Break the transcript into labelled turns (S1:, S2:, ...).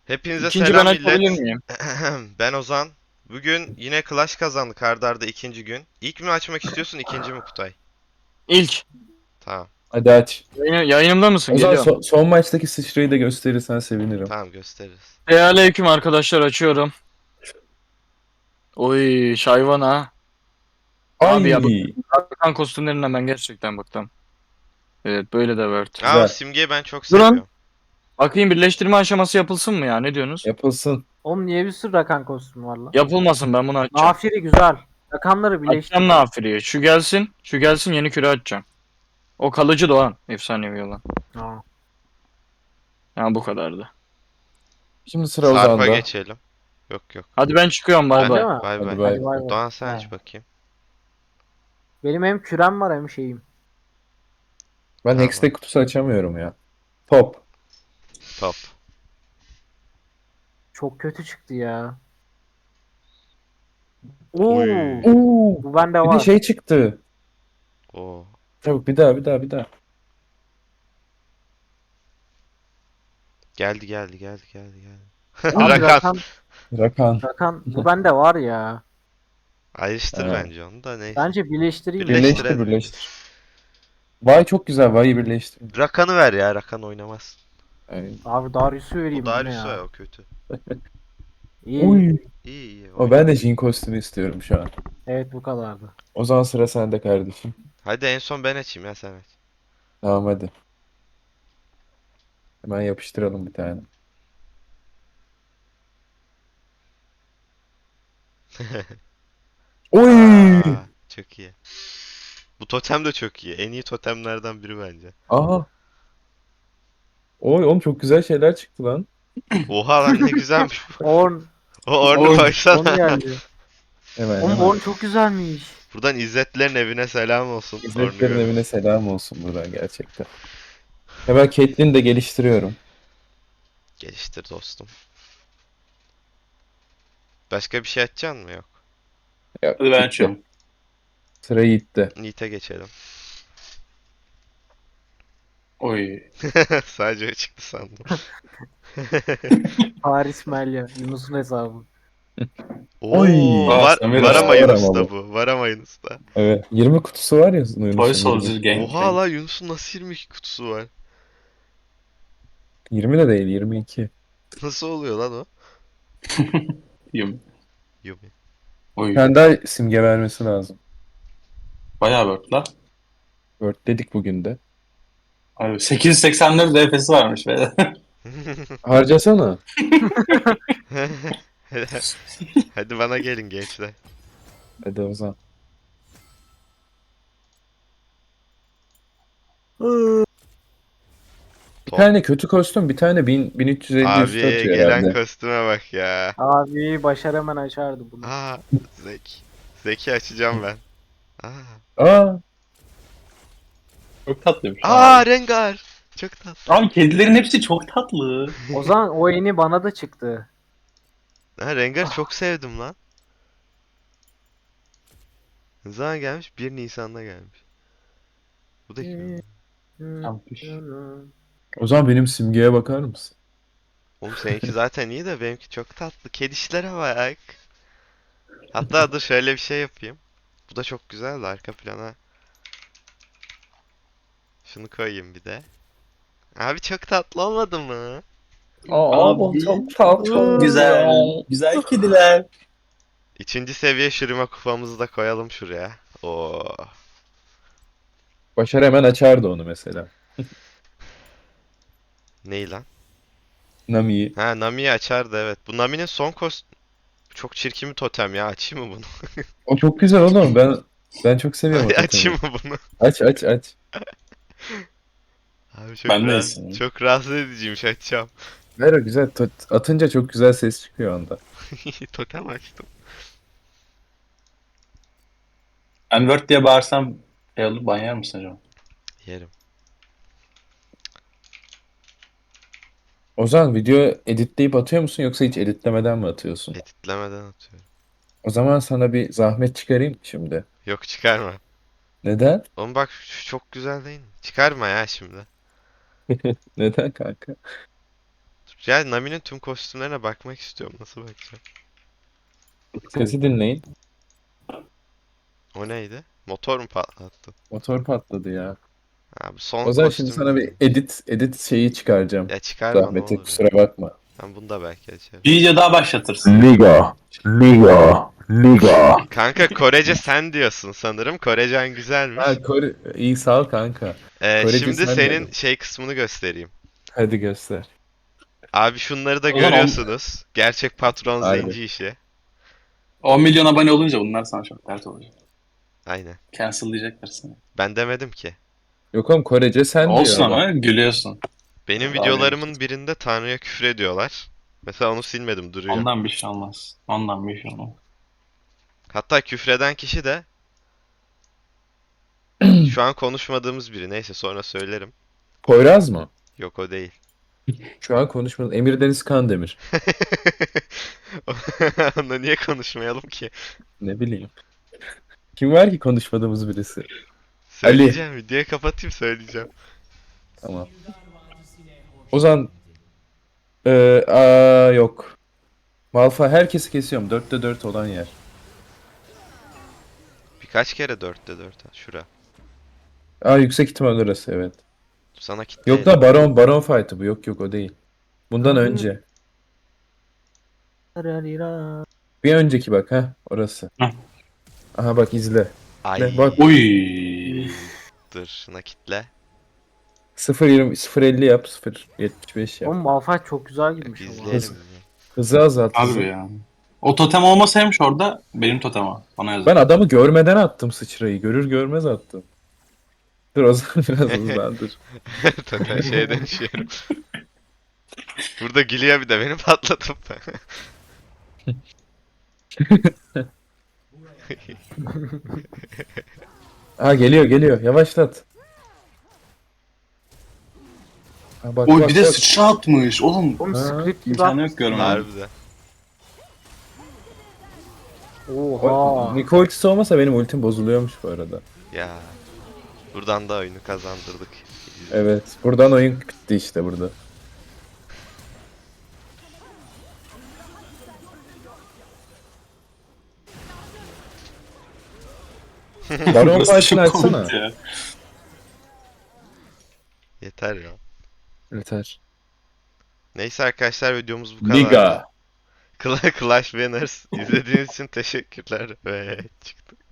S1: Hepinize
S2: İkinci ben
S1: selam
S2: açabilir
S1: millet.
S2: miyim?
S1: Ben Ozan. Bugün yine Clash kazandık arda arda ikinci gün. İlk mi açmak istiyorsun, ikinci mi Kutay?
S2: İlk.
S1: Tamam.
S3: Hadi aç.
S2: Yayınımda mısın?
S3: O zaman
S2: Geliyorum.
S3: son maçtaki sıçrayı da gösterirsen sevinirim.
S1: Tamam gösteririz.
S2: Selamünaleyküm arkadaşlar, açıyorum. Oy şayvan ha. Abi ya bu
S3: Ay,
S2: Hakan kostümlerinden ben gerçekten bıktım. Evet, böyle de Word.
S1: Aa, o
S3: güzel.
S1: simgeyi ben çok
S2: Durun.
S1: seviyorum.
S2: Bakayım, birleştirme aşaması yapılsın mı ya? Ne diyorsunuz?
S3: Yapılsın.
S4: Oğlum niye bir sürü Rakan kostümü var lan?
S2: Yapılmasın, ben bunu açacağım.
S4: Nafiri güzel. Rakanları
S2: Açacağım
S4: birleştir.
S2: Nafiri'yi. Şu gelsin. Şu gelsin, yeni küre açacağım. O kalıcı Doğan. Efsanevi olan.
S4: Aa.
S2: Ya bu kadardı.
S3: Şimdi sıra
S1: Sarp'a
S3: Ozan'da.
S1: geçelim. Yok yok.
S2: Hadi ben çıkıyorum, bay
S1: Ben
S4: Öyle
S2: bay.
S4: mi?
S1: bay
S3: Hadi
S1: bay.
S3: bay.
S4: Hadi bay bay.
S1: Doğan sen
S4: Ha.
S1: aç bakayım.
S4: Benim hem kürem var hem şeyim.
S3: Ben
S1: Tamam.
S3: Hextech kutusu açamıyorum ya. Top.
S1: Top.
S4: Çok kötü çıktı ya. Oo,
S1: Oy.
S3: Oo,
S4: bu bende
S3: bir de
S4: var.
S3: şey çıktı.
S1: Oo.
S3: Çabuk bir daha.
S1: Geldi.
S4: Abi
S1: Rakan.
S3: Rakan.
S4: Rakan bu bende var ya.
S1: Ayrıştır
S3: Ha.
S1: bence onu da neyse.
S4: Bence birleştireyim mi?
S3: Birleştir
S1: Birleştirelim.
S3: birleştir. Vay çok güzel. Vay'ı birleştir.
S1: Rakan'ı ver ya. Rakan oynamaz.
S3: Yani,
S4: Abi Darius'u
S1: O
S4: vereyim bu ne
S1: Darius
S4: ya?
S1: o kötü.
S4: İyi.
S3: oy.
S1: İyi
S3: O ben de
S1: oyna.
S3: Jhin kostümü istiyorum şu an.
S4: Evet bu kadardı.
S3: O zaman sıra sende kardeşim.
S1: Hadi en son ben açayım ya sen aç.
S3: Tamam hadi. Hemen yapıştıralım bir tane. Oy!
S1: Aa, çok iyi. Bu totem de çok iyi. En iyi totemlerden biri bence.
S3: Aha. Oy oğlum çok güzel şeyler çıktı lan.
S1: Oha lan ne güzelmiş bu.
S4: Orn.
S1: O ornu
S2: Oy.
S4: Orn
S1: baksana.
S4: geldi.
S3: Hemen
S4: Oğlum
S3: hemen.
S4: Orn çok güzelmiş.
S1: Buradan İzzetlerin evine selam olsun. Ornu
S3: İzzetlerin evine
S1: görürüz.
S3: selam olsun buradan gerçekten. Hemen Caitlyn'i de geliştiriyorum.
S1: Geliştir dostum. Başka bir şey açacaksın mı? Yok.
S3: Ya,
S5: Hadi ben
S3: gitti.
S5: açıyorum.
S3: Sıra Yiğit'te.
S1: Nite geçelim.
S5: Oy.
S1: Sadece o çıktı sandım.
S4: Paris Melya. Yunus'un hesabı.
S3: Oy!
S1: Oo,
S5: Aa,
S1: var
S5: Samira.
S3: Var
S1: varamayın
S3: ama
S1: usta
S3: bu.
S1: bu. Varamayın usta.
S3: Evet. 20 kutusu var ya
S5: Toy
S3: Yunus'un 20.
S5: Soldier
S1: Oha
S5: Gangbang.
S1: la Yunus'un nasıl 22 kutusu var?
S3: 20 de değil 22.
S1: Nasıl oluyor lan o?
S5: Yum.
S1: Yumi.
S3: Bir
S5: Oy.
S3: tane daha simge vermesi lazım.
S5: Bayağı worth la.
S3: Word dedik bugün de.
S5: Abi 884 DPS'i varmış be.
S3: Harcasana.
S1: Hadi bana gelin gençler.
S3: Hadi o zaman. Bir
S1: Top.
S3: tane kötü kostüm, bir tane 1350 üstü
S1: Abi
S3: atıyor
S1: gelen
S3: herhalde.
S1: kostüme bak ya.
S4: Abi Başar hemen açardı bunu.
S1: Aa, Zeki. Zeki açacağım ben. Aa,
S3: Aa,
S5: Çok tatlıymış
S1: Aa
S5: abi.
S1: Rengar. Çok tatlı.
S5: Abi kedilerin hepsi çok tatlı.
S4: O zaman o yeni bana da çıktı.
S1: Ha, Rengar'ı çok sevdim lan. Ne zaman gelmiş? 1 Nisan'da gelmiş. Bu da kim?
S5: Tampiş.
S3: o zaman benim simgeye bakar mısın?
S1: Oğlum seninki zaten iyi de benimki çok tatlı. Kedişlere bak. Hatta dur şöyle bir şey yapayım. Bu da çok güzel de arka plana. Şunu koyayım bir de. Abi çok tatlı olmadı mı?
S5: Abi,
S3: çok tatlı.
S5: Çok güzel. Güzel kediler.
S1: İkinci seviye şırima kupamızı da koyalım şuraya. Oo.
S3: Başar hemen açardı onu mesela.
S1: Ney lan?
S3: Nami'yi.
S1: Ha Nami'yi açardı evet. Bu Nami'nin son çok çirkin bir totem ya. Açayım mı bunu?
S3: O çok güzel oğlum. Ben çok seviyorum o
S1: Hadi
S3: totemi.
S1: açayım mı bunu?
S3: Aç.
S1: Abi çok
S5: Ben de
S1: rahatsız,
S5: istedim.
S1: çok rahatsız ediciymiş açacağım.
S3: Ver o güzel. Atınca çok güzel ses çıkıyor onda.
S1: Totem açtım.
S5: Ben word diye bağırsam şey olur, ban yer misin acaba?
S1: Yerim.
S3: O zaman video editleyip atıyor musun yoksa hiç editlemeden mi atıyorsun?
S1: Editlemeden atıyorum.
S3: O zaman sana bir zahmet çıkarayım şimdi.
S1: Yok çıkarma.
S3: Neden?
S1: Oğlum bak şu çok güzel değil mi? Çıkarma ya şimdi.
S3: Neden kanka?
S1: Dur Ya Nami'nin tüm kostümlerine bakmak istiyorum. Nasıl bakacağım?
S3: Sesi dinleyin.
S1: O neydi? Motor mu patlattı?
S3: Motor patladı ya.
S1: Ha, bu son
S3: O zaman şimdi
S1: kostüm.
S3: sana bir edit şeyi çıkaracağım.
S1: Ya çıkarma ne
S3: Zahmeti
S1: olur ya.
S3: kusura bakma.
S1: Ben bunu da belki açarım.
S5: Bir video daha başlatırsın.
S3: Liga.
S1: Kanka Korece sen diyorsun sanırım. Korecen güzelmiş.
S3: Ha, iyi sağ ol kanka. Korece
S1: Şimdi
S3: sen
S1: senin
S3: dedin.
S1: şey kısmını göstereyim.
S3: Hadi göster.
S1: Abi şunları da
S5: O zaman
S1: görüyorsunuz. Gerçek patron
S3: Harbi.
S1: zenci işi.
S5: 10 milyon abone olunca bunlar sana çok dert olacak.
S1: Aynen.
S5: Cancel'layacaklar seni.
S1: Ben demedim ki.
S3: Yok oğlum Korece sen
S5: Olsun
S3: diyor adam.
S5: ama gülüyorsun.
S1: Benim
S5: Abi.
S1: videolarımın birinde Tanrı'ya küfür ediyorlar. Mesela onu silmedim duruyor.
S5: Ondan bir şey olmaz. Ondan bir şey olmaz.
S1: Hatta küfreden kişi de şu an konuşmadığımız biri. Neyse sonra söylerim.
S3: Poyraz mı?
S1: Yok o değil.
S3: Şu an konuşmadım. Emir Deniz Kandemir.
S1: Onunla niye konuşmayalım ki?
S3: Ne bileyim. Kim var ki konuşmadığımız birisi?
S1: Söyleyeceğim. Videoyu kapatayım söyleyeceğim.
S3: Tamam. O zaman yok. Malfa herkesi kesiyorum. 4'te 4 olan yer.
S1: Birkaç kere 4'te 4. Şura.
S3: Yüksek ihtimal orası evet.
S1: Sana kitle.
S3: Yok da Baron fight'ı bu. Yok o değil. Bundan önce. Bir önceki bak orası.
S5: Heh.
S3: Aha bak izle.
S1: Ay.
S3: Ne, bak.
S5: Uy.
S1: Dur şuna kitle.
S3: 0.20 0.50 yap 0.75 yap.
S4: Oğlum Malphite çok güzel girmiş ama.
S1: İzleyelim.
S3: Hızı azalt. hızı.
S5: Harbi ya. O totem olmasaymış orada benim totem o. Bana yazık.
S3: Ben adamı görmeden attım sıçrayı. Görür görmez attım. Dur o zaman biraz hızlandır.
S1: Total şeye dönüşüyorum. Burada gülüyor bir de beni patlatıp.
S3: Geliyor. Yavaşlat. Bak
S5: Oy
S3: bak
S5: bir de
S3: bak.
S5: sıçra atmış oğlum.
S4: Oğlum
S3: Ha,
S4: script gibi
S5: İmkanı yok görmem.
S1: Harbiden.
S4: Oha.
S3: Niko ultisi olmasa benim ultim bozuluyormuş bu arada.
S1: Ya. Buradan da oyunu kazandırdık.
S3: Evet. Buradan oyun bitti işte burada. Baron
S5: Burası
S3: fight'ını
S5: çok
S3: açsana.
S5: komik ya.
S1: Yeter ya.
S3: Yeter.
S1: Neyse arkadaşlar videomuz bu kadar.
S3: Liga.
S1: Clash Winners izlediğiniz için teşekkürler ve çıktı.